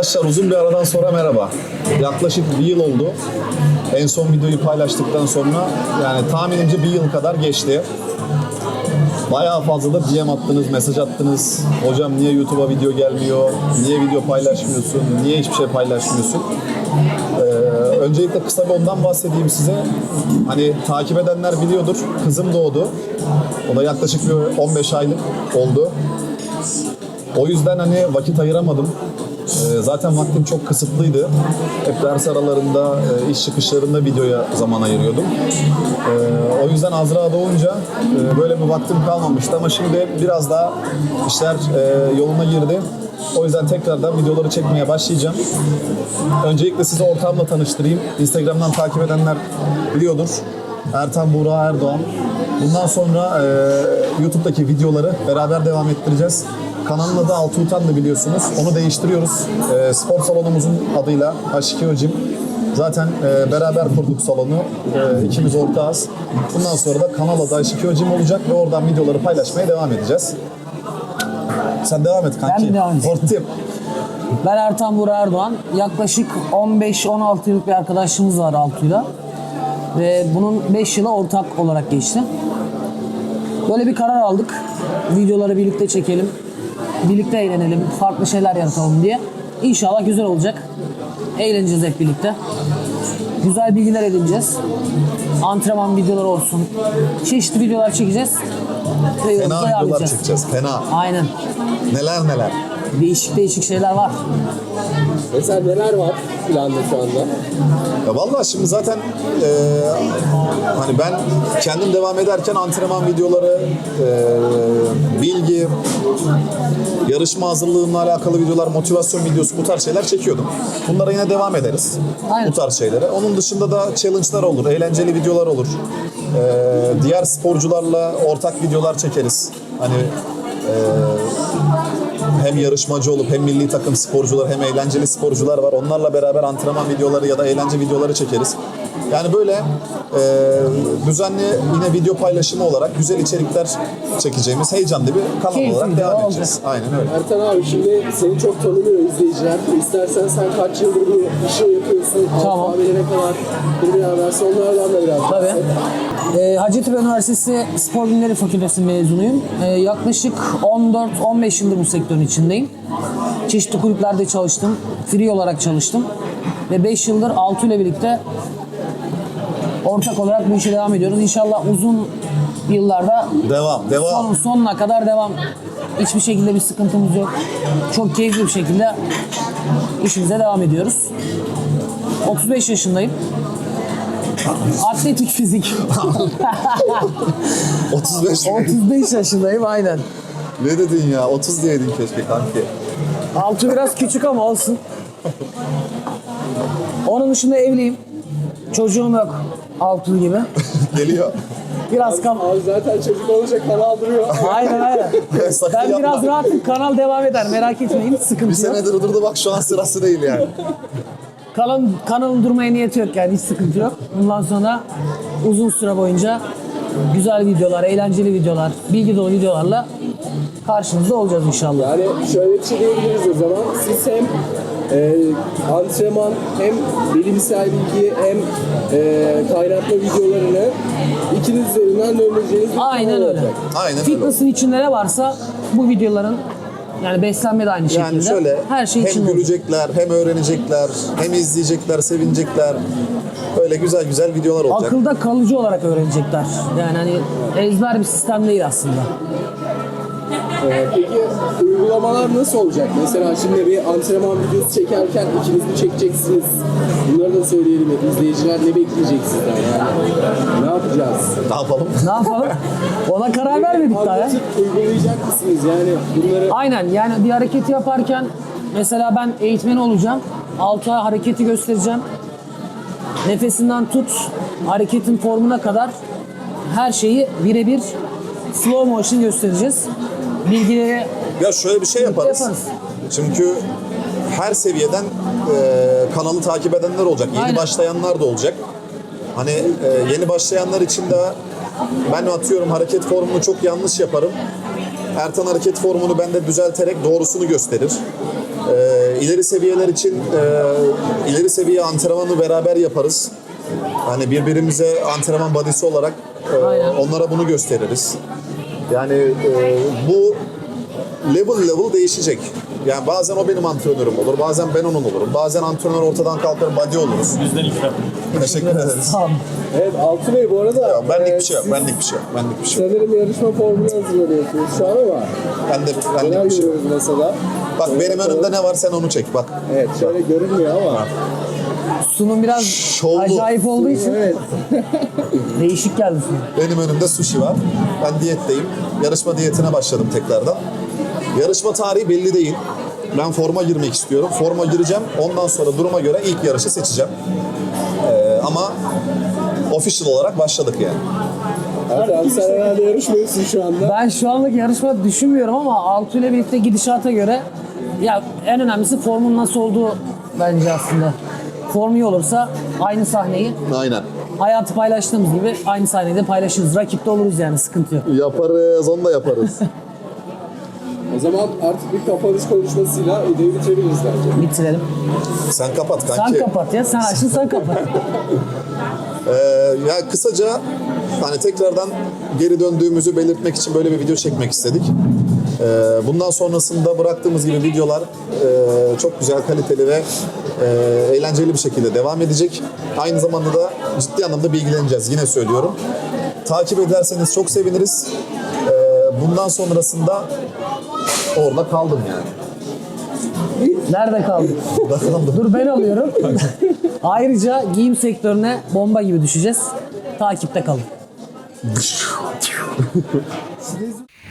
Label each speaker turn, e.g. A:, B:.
A: Arkadaşlar uzun bir aradan sonra merhaba. Yaklaşık bir yıl oldu. En son videoyu paylaştıktan sonra yani tahminimce bir yıl kadar geçti. Bayağı fazla da DM attınız, mesaj attınız. Hocam niye YouTube'a video gelmiyor? Niye video paylaşmıyorsun? Niye hiçbir şey paylaşmıyorsun? Öncelikle kısa bir ondan bahsedeyim size. Hani takip edenler biliyordur. Kızım doğdu. O da yaklaşık bir 15 aylık oldu. O yüzden hani vakit ayıramadım. Zaten vaktim çok kısıtlıydı. Hep ders aralarında, iş çıkışlarında videoya zaman ayırıyordum. O yüzden Azra doğunca böyle bir vaktim kalmamıştı ama şimdi biraz daha işler yoluna girdi. O yüzden tekrardan videoları çekmeye başlayacağım. Öncelikle sizi ortağımla tanıştırayım. Instagram'dan takip edenler biliyordur. Ertan Buğra Erdoğan. Bundan sonra YouTube'daki videoları beraber devam ettireceğiz. Kanalın adı Altuğ'dan biliyorsunuz. Onu değiştiriyoruz. Spor salonumuzun adıyla H2O Gym. Zaten beraber kurduk salonu. İkimiz ortağız. Bundan sonra da kanal adı H2O Gym olacak ve oradan videoları paylaşmaya devam edeceğiz. Sen devam et kanki.
B: Ben devam edeyim.
A: Hortlayayım.
B: Ben Ertan Buğra Erdoğan. Yaklaşık 15-16 yıllık bir arkadaşlığımız var Altuğ'yla. Ve bunun 5 yılı ortak olarak geçti. Böyle bir karar aldık. Videoları birlikte çekelim. Birlikte eğlenelim. Farklı şeyler yaratalım diye. İnşallah güzel olacak. Eğleneceğiz hep birlikte. Güzel bilgiler edineceğiz. Antrenman videoları olsun. Çeşitli videolar çekeceğiz. Ve
A: Fena
B: yolumuza devam
A: videolar
B: edeceğiz.
A: çekeceğiz. Fena.
B: Aynen.
A: Neler neler.
B: Değişik şeyler var.
C: Mesela neler var planda şu anda?
A: Ya vallahi şimdi zaten hani ben kendim devam ederken antrenman videoları, bilgi, yarışma hazırlığımla alakalı videolar, motivasyon videosu bu tarz şeyler çekiyordum. Bunlara yine devam ederiz.
B: Aynen.
A: Bu tarz şeylere. Onun dışında da challenge'lar olur, eğlenceli videolar olur. Diğer sporcularla ortak videolar çekeriz. Hani hem yarışmacı olup hem milli takım sporcular hem eğlenceli sporcular var. Onlarla beraber antrenman videoları ya da eğlence videoları çekeriz. Yani böyle düzenli yine video paylaşımı olarak güzel içerikler çekeceğimiz heyecanlı bir kanal
B: Keyifli
A: olarak
B: video
A: devam
B: olacak.
A: edeceğiz. Aynen öyle.
C: Ertan abi şimdi seni çok tanımıyor izleyiciler. İstersen sen kaç yıldır bu işi yapıyorsun?
B: Tamam.
C: Alfabeyle ne kadar bir versin onlardan da biraz.
B: Tabii. Hacettepe Üniversitesi Spor Bilimleri Fakültesi mezunuyum. Yaklaşık 14-15 yıldır bu sektörün içindeyim. Çeşitli kulüplerde çalıştım. Free olarak çalıştım. Ve 5 yıldır Altu ile birlikte ortak olarak bu işe devam ediyoruz. İnşallah uzun yıllarda
A: Devam.
B: sonuna kadar devam. Hiçbir şekilde bir sıkıntımız yok. Çok keyifli bir şekilde işimize devam ediyoruz. 35 yaşındayım. Atletik fizik.
A: 35 mi?
B: 35 yaşındayım aynen.
A: Ne dedin ya? 30 diyeydin keşke kanki.
B: Altı biraz küçük ama olsun. Onun dışında evliyim. Çocuğum yok. Altı gibi.
A: Geliyor.
B: Biraz
C: Abi zaten çocuk olacak kanal duruyor.
B: Aynen.
A: Sakın
B: Ben
A: yapma.
B: biraz rahatım. Kanal devam eder. Merak etmeyin.
A: Bir
B: Sıkıntı yok.
A: senedir durdu bak şu an sırası değil yani.
B: Kanalın durmaya niyeti yok yani. Hiç sıkıntı yok. Bundan sonra uzun süre boyunca güzel videolar, eğlenceli videolar, bilgi dolu videolarla karşınızda olacağız inşallah.
C: Yani şöyle bir şey diyebiliriz o zaman. Siz hem antrenman hem bilimsel bilgi hem kaynatma videolarını ikiniz üzerinden döneceğiniz bir
B: Aynen
C: kanal
B: öyle.
C: olacak.
A: Aynen öyle.
B: Fitness'ın içinde ne varsa bu videoların yani beslenme de aynı şekilde.
A: Yani şöyle
B: her şey
A: hem
B: içinde olacak.
A: gülecekler, hem öğrenecekler, hem izleyecekler, sevinecekler. Böyle güzel güzel videolar olacak.
B: Akılda kalıcı olarak öğrenecekler. Yani hani ezber bir sistem değil aslında.
C: Peki uygulamalar nasıl olacak? Mesela şimdi bir antrenman videosu çekerken ikiniz mi çekeceksiniz? Bunları da söyleyelim. İzleyiciler ne bekleyecek sizden yani? Ne yapacağız?
A: Ne yapalım?
B: Ne yapalım? Ona karar vermedik daha ya.
C: Anlatıp uygulayacak mısınız yani bunları?
B: Aynen yani bir hareketi yaparken mesela ben eğitmen olacağım. Alta hareketi göstereceğim. Nefesinden tut hareketin formuna kadar her şeyi birebir slow motion göstereceğiz. Bilgileri
A: Ya şöyle bir şey yaparız. Çünkü her seviyeden kanalı takip edenler olacak. Yeni
B: Aynen.
A: başlayanlar da olacak. Hani yeni başlayanlar için de ben atıyorum hareket formunu çok yanlış yaparım. Ertan hareket formunu bende düzelterek doğrusunu gösterir. İleri seviyeler için ileri seviye antrenmanı beraber yaparız. Hani birbirimize antrenman body'si olarak
B: Aynen.
A: onlara bunu gösteririz. Yani bu level değişecek. Yani bazen o benim antrenörüm olur, bazen ben onun olurum. Bazen antrenör ortadan kalkar, body oluruz.
D: Bizden ikram.
A: Teşekkür ederiz.
B: Sağ olun.
C: Evet Altı Bey bu arada
A: Ya, benlik bir şey yok,
C: siz
A: benlik bir şey yok, benlik bir şey yok.
C: sanırım yarışma formunu hazırlanıyorsunuz şu an ama
A: Benlik
C: neler
A: bir şey yok.
C: görüyoruz mesela?
A: Bak benim önümde ne var sen onu çek bak.
C: Evet şöyle görünmüyor ama.
B: Sunum biraz
A: Şovlu.
B: acayip olduğu için
C: Evet.
B: değişik geldi sunum.
A: Benim önümde sushi var. Ben diyetteyim. Yarışma diyetine başladım tekrardan. Yarışma tarihi belli değil. Ben forma girmek istiyorum. Forma gireceğim. Ondan sonra duruma göre ilk yarışı seçeceğim. Ama official olarak başladık yani.
C: Hatta sen herhalde yarışmıyorsun şu anda.
B: Ben şu anlık yarışma düşünmüyorum ama Altu ile birlikte gidişata göre ya en önemlisi formun nasıl olduğu bence aslında. Formu iyi olursa aynı sahneyi
A: Aynen.
B: hayatı paylaştığımız gibi aynı sahneyi de paylaşırız. Rakipte oluruz yani sıkıntı yok.
A: Yaparız, onu da yaparız.
C: O zaman artık bir kapanış konuşmasıyla videoyu bitirebiliriz bence.
B: Bitirelim.
A: Sen kapat
B: Sen
A: kanki.
B: kapat ya. Sen açtın sen kapat.
A: Ya kısaca hani tekrardan geri döndüğümüzü belirtmek için böyle bir video çekmek istedik. Bundan sonrasında bıraktığımız gibi videolar çok güzel, kaliteli ve eğlenceli bir şekilde devam edecek. Aynı zamanda da ciddi anlamda bilgileneceğiz. Yine söylüyorum. Takip ederseniz çok seviniriz. Bundan sonrasında orada kaldım yani.
B: Nerede kaldın?
A: Orada kaldım.
B: Dur ben alıyorum. Ayrıca giyim sektörüne bomba gibi düşeceğiz. Takipte kalın.